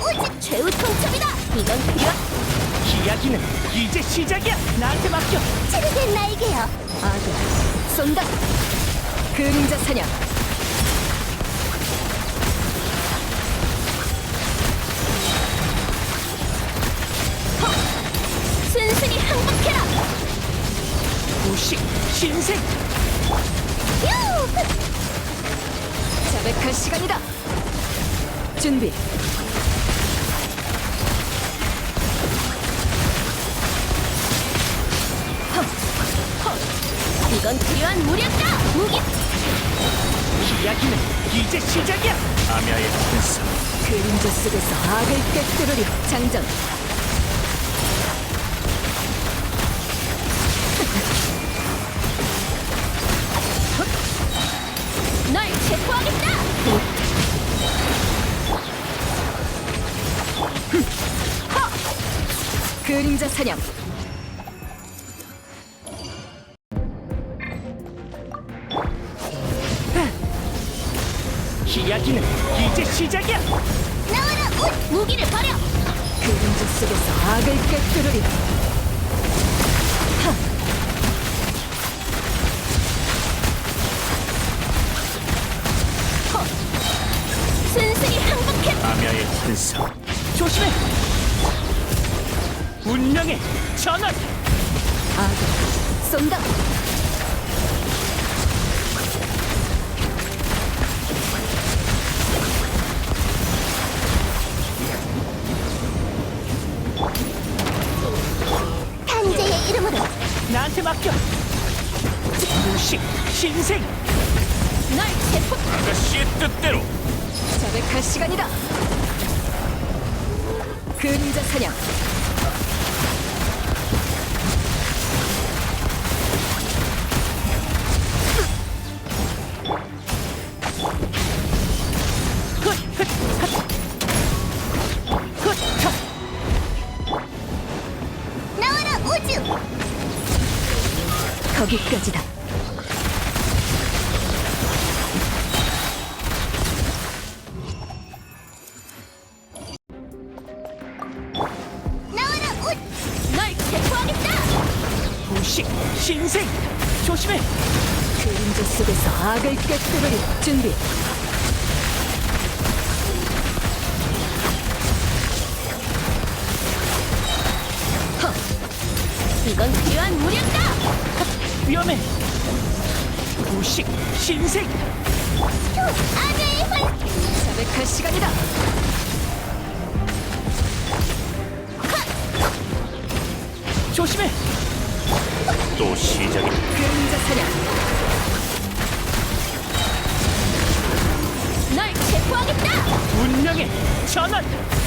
오직 최후 통첩이다. 이건 필요. 이야기는 이제 시작이야. 나한테 맡겨. 치르된 나에게요. 아들 쏜다. 그림자 사냥. 순순히 항복해라. 무식 신생. 유! 자백할 시간이다. 준비. 이건 필요한 무력이다. 무기. 이야기는 이제 시작이야. 아미아의 군사. 그림자 속에서 악을 꿰뚫으리. 장전. 널 체포하겠다. 그림자 사냥. 이야기는 이제 시작이야. 나와라. 옷. 무기를 버려. 그림자 속에서 악을 꿰뚫으리. 순순히 항복해. 아미아의 군사. 조심해. 운명의 전원. 아들 쏜다. 탄재의 이름으로. 나한테 맡겨. 무식 신생. 널 체포. 아가씨의 뜻대로. 자백할 시간이다. 그림자 사냥. 나와라. 우주. 거기까지다. 나와라. 옷. 널 체포하겠다. 무식 신생. 조심해. 그림자 속에서 악을 꿰뚫으리. 준비. 이건 필요한 무력이다. 위험해. 무식 신생. 아재의 활. 자백할 시간이다. 조심해. 또 시작이야. 그림자 사냥. 널 체포하겠다. 운명의 전원.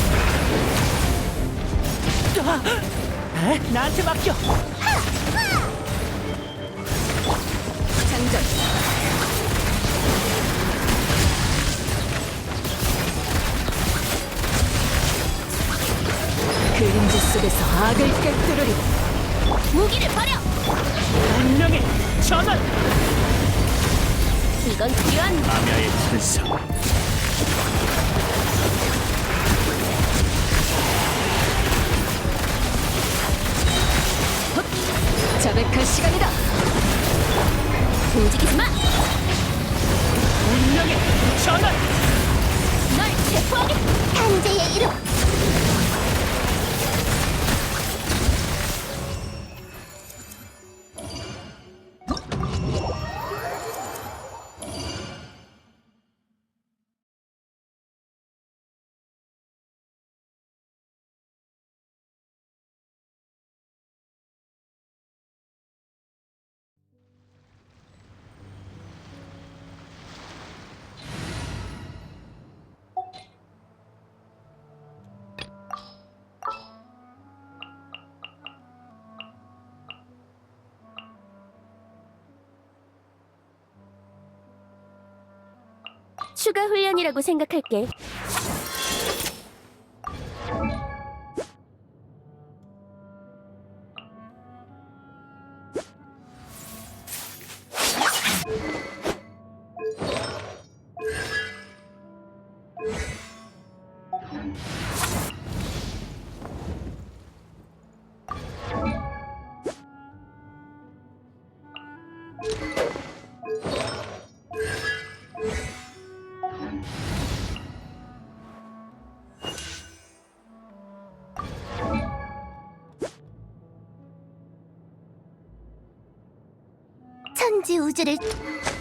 나한테 맡겨. 장전. 그림자 속에서 악을 꿰뚫으리. 무기를 버려. 운명의 전원. 이건 필요한. 아미아의 군사. 자백할 시간이다. 움직이지 마. 운명의 전원. 널 체포하겠다. 탄재의 이름. 추가 훈련이라고 생각할게. 천지 우주를